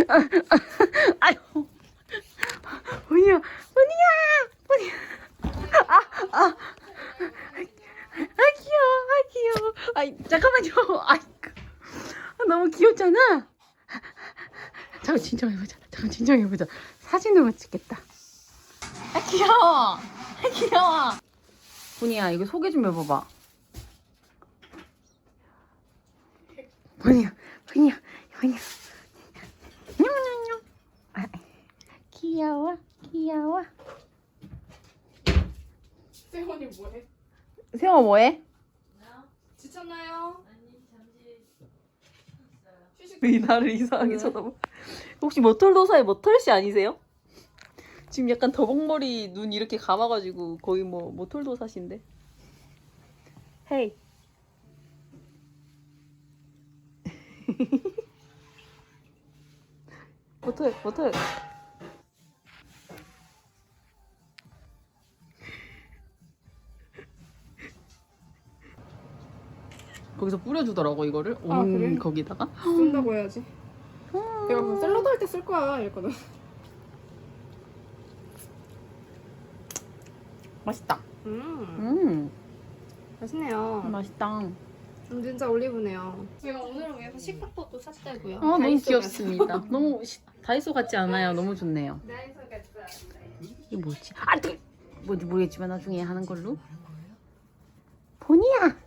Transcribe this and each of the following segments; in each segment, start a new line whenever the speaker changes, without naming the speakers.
아유, 뭐냐. 귀여워. 잠깐만요. 너무 귀엽잖아. 잠깐 진정해보자. 사진으로 찍겠다. 귀여워. 보니야, 이거 소개 좀 해봐봐. 보니야. 냠냠냠. 귀여워.
세원이 뭐해?
세영아 뭐해?
지쳤나요? 아니 잠시 휴식.
왜 나를 이상하게 쳐다봐? 혹시 머털도사의 머털씨 아니세요? 지금 약간 더벅머리 눈 이렇게 감아가지고 거의 뭐 머털도사신데. 헤이. 머털. 거기서 뿌려주더라고 이거를.
그래?
거기다가.
쓴다고 해야지. 내가 뭐 샐러드 할 때 쓸 거야 이랬거든.
맛있다.
음 맛있네요.
맛있다.
진짜 올리브네요. 제가 오늘을 위해서 식탁도 샀다고요.
너무 귀엽습니다. 너무 다이소 같지 않아요? 너무 좋네요.
다이소 같아.
이게 뭐지? 뭔지 모르겠지만 나중에 하는 걸로. 보니야.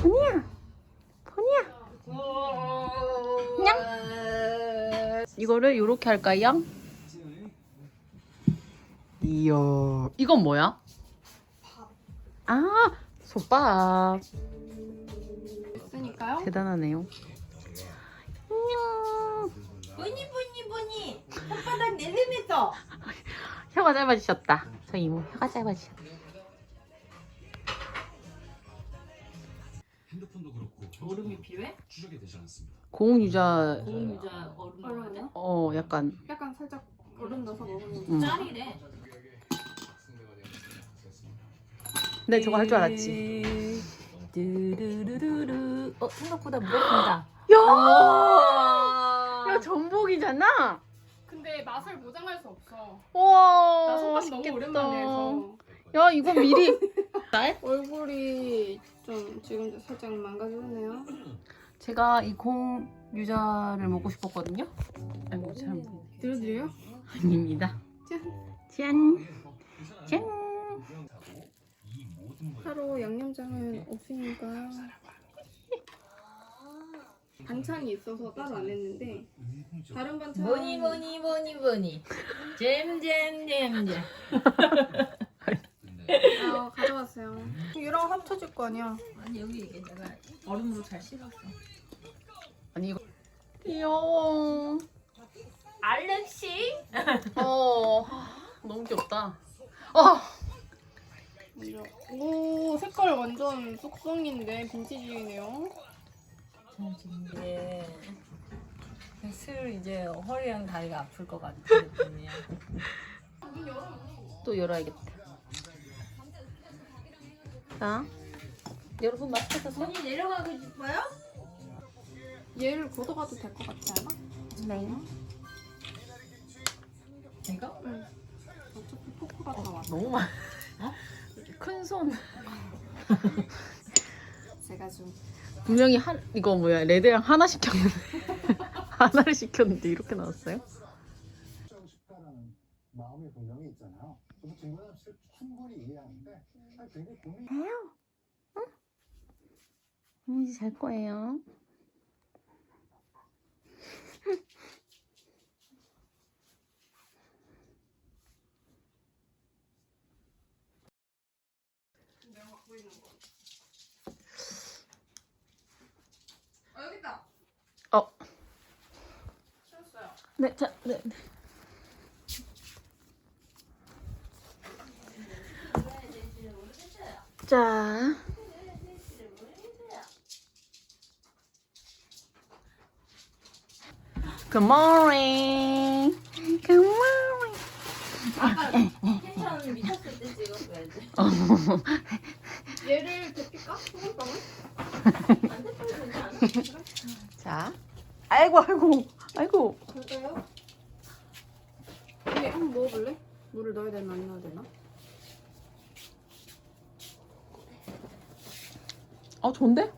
냥. 이거를 요렇게 할까요? 이야. 이건 뭐야? 솥밥.
있으니까요.
대단하네요. 안녕.
보니 손바닥 내리면서
혀가 짧아지셨다. 저 이모 혀가 짧아지셨다.
핸드폰도 그렇고
얼음이 필요해?
추적이 되지 않았습니다.
고온유자.
고온유자 얼음 넣어야 돼?
약간
살짝 얼음 넣어서 먹으면
짤이래.
네, 저거 할 줄 알았지.
뚜루루루루. 생각보다 무겁습니다.
야, 전복이잖아.
근데 맛을 보장할 수 없어.
우와,
나 손맛
맛있겠다.
너무 오랜만에 해서
야, 이거 미리.
얼굴이 좀 지금 살짝 망가졌네요.
제가 이 공유자를 먹고 싶었거든요. 아이고, 잘 먹네.
들어드려요?
아닙니다. 짠.
하루 양념장은 없으니까 반찬이 있어서 따로 안 했는데 다른 반찬
뭐니. 잼.
가져왔어요. 얘랑 합쳐질 거 아니야.
아니 여기 이게 내가 얼음으로 잘 씻었어.
아니, 이거. 귀여워.
알렉시?
너무 귀엽다.
오, 색깔 완전 쏙쏙인데 빈티지네요.
이제 슬 이제 허리랑 다리가 아플 것 같은 느낌이야.
또 열어야겠다. 자, 여러분 마스크 썼어요?
손이 내려가고 싶어요?
얘를 걷어가도 될 것 같지 않아?
네.
이거?
응. 어차피 포크가 다 왔어.
너무 많아. 큰 손.
제가 좀
분명히 이거 뭐야, 레드랑 하나 시켰는데 하나를 시켰는데 이렇게 나왔어요?
하고 싶다라는 마음이 분명히 있잖아요. 저도 김건희 씨를 충분히 이해하는데 굉장히 고민.
이제 잘 거예요.
내가 갖고 있는 거. 여기 있다. 찾았어요.
네, 네. 자. Good morning.
텐션 미쳤을 때 찍었어야지.
얘를 데필까? 소금빵을?
안 대표도 되지 않아?
자. 아이고.
그럴까요? 먹어볼래? 물을 넣어야 되나 안 넣어야 되나?
아 좋은데?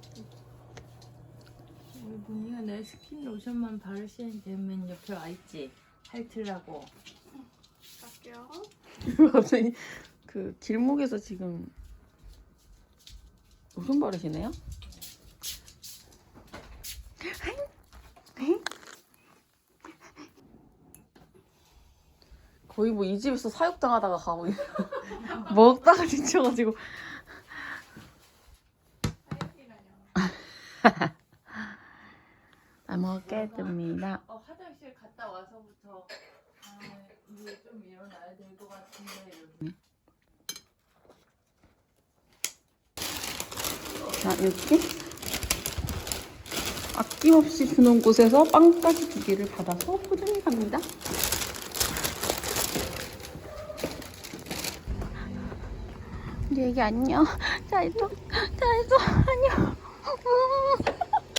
우리 문희가 내 스킨 로션만 바를 시간이 되면 옆에 와있지. 할트라고.
갈게요.
갑자기 그 길목에서 지금 로션 바르시네요? 거의 뭐 이 집에서 사육당하다가 가고 있는 먹다가 지쳐가지고 잘 먹겠습니다.
화장실 갔다 와서부터 이제 좀 일어나야 될 것 같은데.
자, 이렇게 아낌없이 주는 곳에서 빵까지 2개를 받아서 포장해 갑니다. 우리 애기 안녕. 잘 있어. 안녕.